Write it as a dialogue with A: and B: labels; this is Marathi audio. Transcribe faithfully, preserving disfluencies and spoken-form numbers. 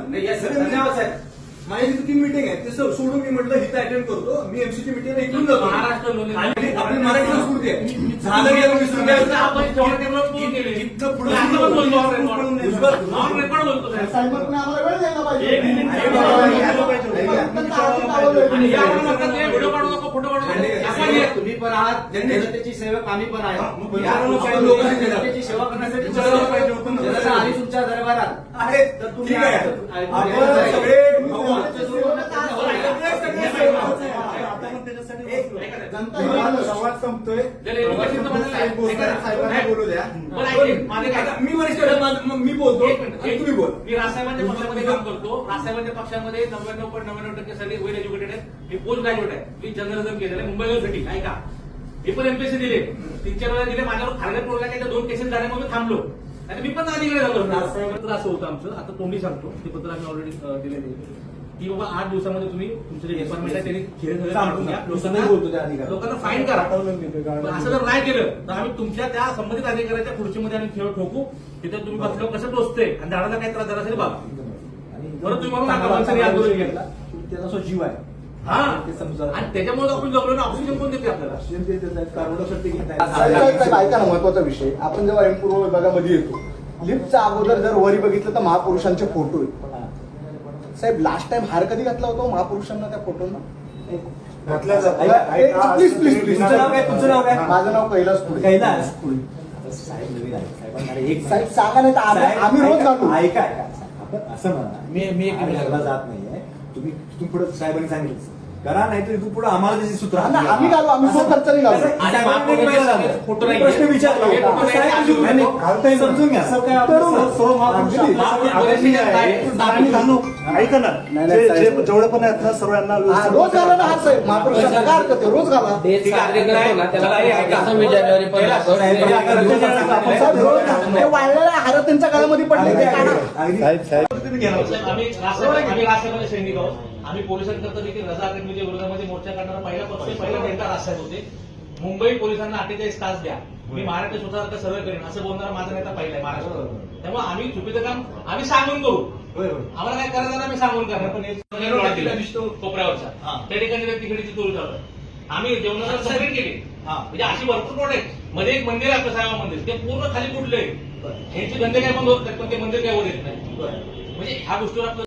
A: धन्यवाद साहेब. माझी तिथे ती मिटिंग आहे ते सोडून मी म्हटलं इथं अटेंड करतो. मी एमसीची मिटिंग इकडून जातो.
B: महाराष्ट्र
A: आपली मराठी संस्कृती आहे. झालं गेलं विसरून द्यायचं.
B: आपण
A: इथनं पुढे
C: साहेबांनी आम्हाला वेळ द्यायला पाहिजे.
B: व्हिडिओ काढू नको, फोटो काढू नको.
D: तुम्ही पण आहात, जनतेची सेवक आम्ही पण आहे. जनतेची सेवा करण्यासाठी जनता आली तुमच्या दरबारात
A: आहे तर तुम्ही काय आपण सगळे संवाद संपतोय. बोलू द्या. मी वरिष्ठ मी बोलतो तुम्ही बोल.
B: मी राजसाहेबांच्या पक्षामध्ये काम करतो. राजसाहेबांच्या पक्षामध्ये नव्याण्णव पॉईंट नव्याण्णव टक्के सगळे वेल एज्युकेटेड आहे. मी पोस्ट ग्रॅज्युएट आहे. मी जर्नलिझम केलेलं आहे मुंबई युनिव्हर्सिटी. ऐका, मी पण एमपीएससी दिले, तीन चार वेळा दिले. माझ्यावर फारगत पडला काही दोन केसेस झाल्यामुळे मी थांबलो. आणि मी पण अधिकारी झालो. पत्र असं होतं आमचं. आता तोंडी सांगतो ते पत्र आम्ही ऑलरेडी दिलेलं आहे की बाबा आठ दिवसामध्ये तुम्ही तुमचं जे डिपार्टमेंट आहे त्यांनी खेळ काढून घ्या. लोकांना लोकांना फाईन करा. असं जर नाही केलं तर आम्ही तुमच्या त्या संबंधित अधिकाऱ्याच्या खुर्चीमध्ये आम्ही खेळ ठोकू. तिथे तुम्ही बसल्यावर कसं टोचते आणि झाडाला काही त्रास झाला असेल बाबा बरं तुम्ही म्हणून आंदोलन केलं.
A: त्याचा जीव आहे.
B: हा ते समजा. आणि त्याच्यामुळे आपण जगलो ना. ऑक्सिजन कोण देते आपल्याला?
C: ऐका ना, महत्वाचा विषय. आपण जेव्हा एम पूर्व विभागामध्ये येतो, लिफ्टच्या अगोदर जर वरी बघितलं तर महापुरुषांचे फोटो आहेत. साहेब लास्ट टाइम हार कधी घातला होता महापुरुषांना त्या फोटोना? Please please please.
A: तुमचं नाव काय? तुमचं नाव काय?
C: माझं नाव कैलास पुढे.
A: कैलास पुढे. साहेब नवीन आहे. साहेबांना एक
C: साहेब सांगा नाही तर आम्ही रोज घालू.
A: ऐका ऐका आपण असं म्हणा. मी मी एक घालला जात नाहीये. तुम्ही तुम्ही पुढे साहेबांनी सांगितलं करा, नाही तर इथून पुढे आम्हाला त्याची सूत्र
C: आम्ही घालू. आम्ही सो खर्चाने घालू.
A: प्रश्न विचारला समजून घ्या.
E: ऐका ना, जेवढे पण आहेत ना सर्वांना
C: रोज घाला ना. हा साहेब महापुरुषांना काय हरकत आहे? रोज घाला. वाळलेला हार त्यांच्या गळ्यामध्ये पडले ते काढा.
B: आम्ही राजसाहेबांचे सैनिक आहोत. आम्ही पोलिसांकरता देखील रजा अकॅडमीच्या विरोधामध्ये मोर्चा करणारा पहिला पक्ष पहिला नेता राजसाहेब होते. मुंबई पोलिसांना अठ्ठेचाळीस तास द्या, मी महाराष्ट्र स्वतःसारखं सर्व करेन असं बोलणारा माझा नेता पहिला आहे महाराष्ट्रात. त्यामुळे आम्ही चुकीचं काम आम्ही सांगून करू. आम्हाला काय करायचं ना, मी सांगून करणार. पण दिसतो कोपऱ्यावरचा त्या ठिकाणी तिकडीची चोरी चालू आहे. आम्ही जेवणाला सेपरेट केली. म्हणजे अशी भरपूर प्लॉट आहेत. मध्ये एक मंदिर आहे आपलं साईबाबा मंदिर, ते पूर्ण खाली कुठले यांचे धंदे काय बंद होत नाही, पण ते मंदिर काय होत येत नाही. म्हणजे ह्या गोष्टीवर आपलं